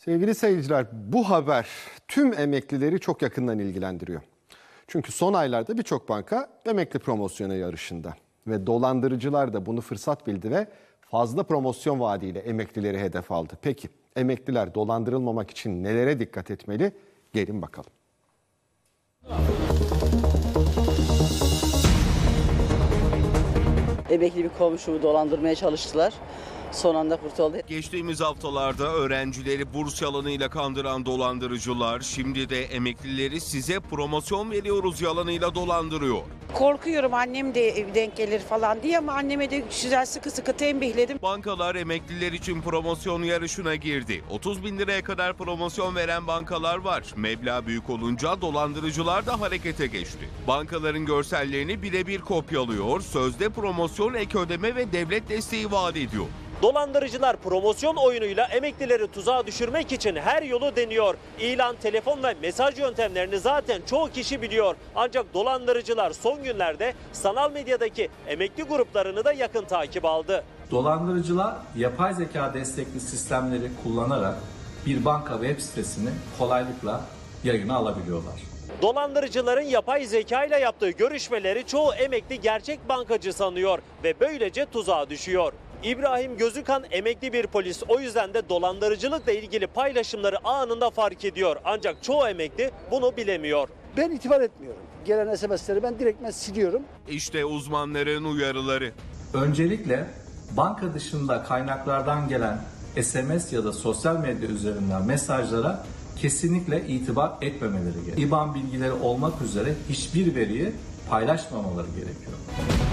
Sevgili seyirciler, bu haber tüm emeklileri çok yakından ilgilendiriyor. Çünkü son aylarda birçok banka emekli promosyonu yarışında ve dolandırıcılar da bunu fırsat bildi ve fazla promosyon vaadiyle emeklileri hedef aldı. Peki emekliler dolandırılmamak için nelere dikkat etmeli? Gelin bakalım. Emekli bir komşumu dolandırmaya çalıştılar. Son anda kurtuldu. Geçtiğimiz haftalarda öğrencileri burs yalanıyla kandıran dolandırıcılar şimdi de emeklileri size promosyon veriyoruz yalanıyla dolandırıyor. Korkuyorum annem de denk gelir falan diye ama anneme de güzel sıkı sıkı tembihledim. Bankalar emekliler için promosyon yarışına girdi. 30 bin liraya kadar promosyon veren bankalar var. Meblağ büyük olunca dolandırıcılar da harekete geçti. Bankaların görsellerini birebir kopyalıyor, sözde promosyon, ek ödeme ve devlet desteği vaat ediyor. Dolandırıcılar promosyon oyunuyla emeklileri tuzağa düşürmek için her yolu deniyor. İlan, telefon ve mesaj yöntemlerini zaten çoğu kişi biliyor. Ancak dolandırıcılar son günlerde sanal medyadaki emekli gruplarını da yakın takip aldı. Dolandırıcılar yapay zeka destekli sistemleri kullanarak bir banka web sitesini kolaylıkla yayına alabiliyorlar. Dolandırıcıların yapay zeka ile yaptığı görüşmeleri çoğu emekli gerçek bankacı sanıyor ve böylece tuzağa düşüyor. İbrahim Gözükan emekli bir polis, o yüzden de dolandırıcılıkla ilgili paylaşımları anında fark ediyor. Ancak çoğu emekli bunu bilemiyor. Ben itibar etmiyorum. Gelen SMS'leri ben direktmen siliyorum. İşte uzmanların uyarıları. Öncelikle banka dışında kaynaklardan gelen SMS ya da sosyal medya üzerinden mesajlara kesinlikle itibar etmemeleri gerekiyor. IBAN bilgileri olmak üzere hiçbir veriyi paylaşmamaları gerekiyor.